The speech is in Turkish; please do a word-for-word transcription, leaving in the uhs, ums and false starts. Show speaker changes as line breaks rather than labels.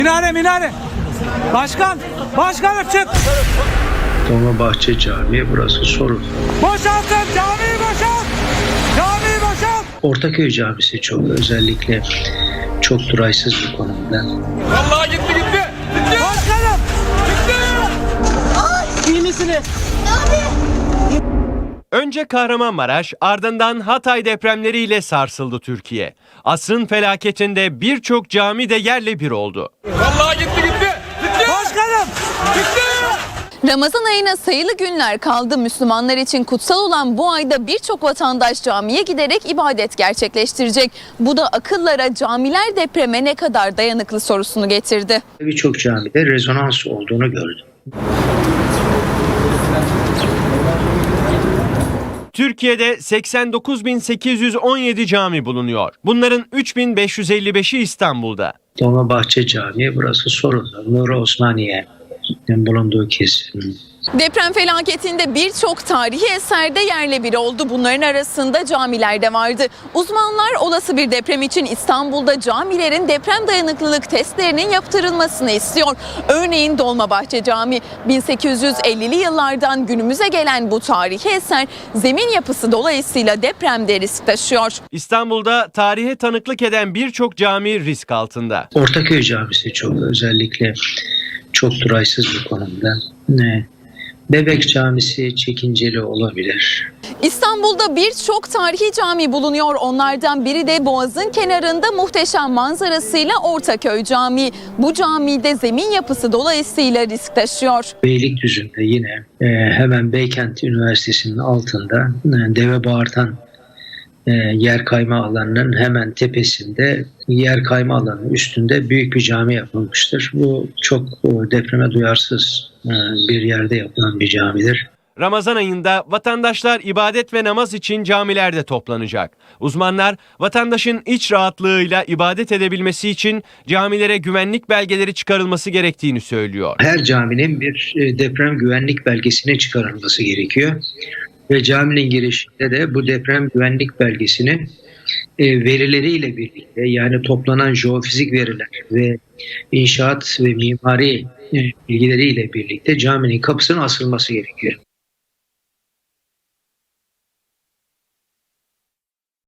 Minare minare. Başkan. Başkanım çık.
Dolmabahçe Camii, burası Sorun.
Boşaltın camiyi boşalt. Camiyi boşalt.
Ortaköy Camisi çok özellikle çok duraysız bir konumda.
Vallahi gitti gitti. Gitti. Başkanım. Gitti. Ay. İyi misiniz?
Önce Kahramanmaraş, ardından Hatay depremleriyle sarsıldı Türkiye. Asrın felaketinde birçok cami de yerle bir oldu.
Vallahi gitti gitti. Gitti. Başkanım. Gitti.
Ramazan ayına sayılı günler kaldı. Müslümanlar için kutsal olan bu ayda birçok vatandaş camiye giderek ibadet gerçekleştirecek. Bu da akıllara camiler depreme ne kadar dayanıklı sorusunu getirdi.
Birçok camide rezonans olduğunu gördüm.
Türkiye'de seksen dokuz bin sekiz yüz on yedi cami bulunuyor. Bunların üç bin beş yüz elli beşi İstanbul'da.
Dolmabahçe Camii, burası Sorun'da. Nuri Osmaniye'nin bulunduğu kesim.
Deprem felaketinde birçok tarihi eserde yerle bir oldu. Bunların arasında camiler de vardı. Uzmanlar olası bir deprem için İstanbul'da camilerin deprem dayanıklılık testlerinin yaptırılmasını istiyor. Örneğin Dolmabahçe Camii, bin sekiz yüz ellili yıllardan günümüze gelen bu tarihi eser zemin yapısı dolayısıyla depremde risk taşıyor.
İstanbul'da tarihe tanıklık eden birçok cami risk altında.
Ortaköy Camisi çok özellikle çok duraysız bir konumda. Ne? Bebek Camisi çekinceli olabilir.
İstanbul'da birçok tarihi cami bulunuyor. Onlardan biri de Boğaz'ın kenarında muhteşem manzarasıyla Ortaköy Camii. Bu camide zemin yapısı dolayısıyla risk taşıyor.
Beylikdüzü'nde yine e, hemen Beykent Üniversitesi'nin altında e, Deve Bağırtan e, yer kayma alanının hemen tepesinde, yer kayma alanının üstünde büyük bir cami yapılmıştır. Bu çok e, depreme duyarsız e, bir yerde yapılan bir camidir.
Ramazan ayında vatandaşlar ibadet ve namaz için camilerde toplanacak. Uzmanlar vatandaşın iç rahatlığıyla ibadet edebilmesi için camilere güvenlik belgeleri çıkarılması gerektiğini söylüyor.
Her caminin bir e, deprem güvenlik belgesine çıkarılması gerekiyor. Ve caminin girişinde de bu deprem güvenlik belgesinin e, verileriyle birlikte, yani toplanan jeofizik veriler ve inşaat ve mimari e, bilgileriyle birlikte caminin kapısına asılması gerekiyor.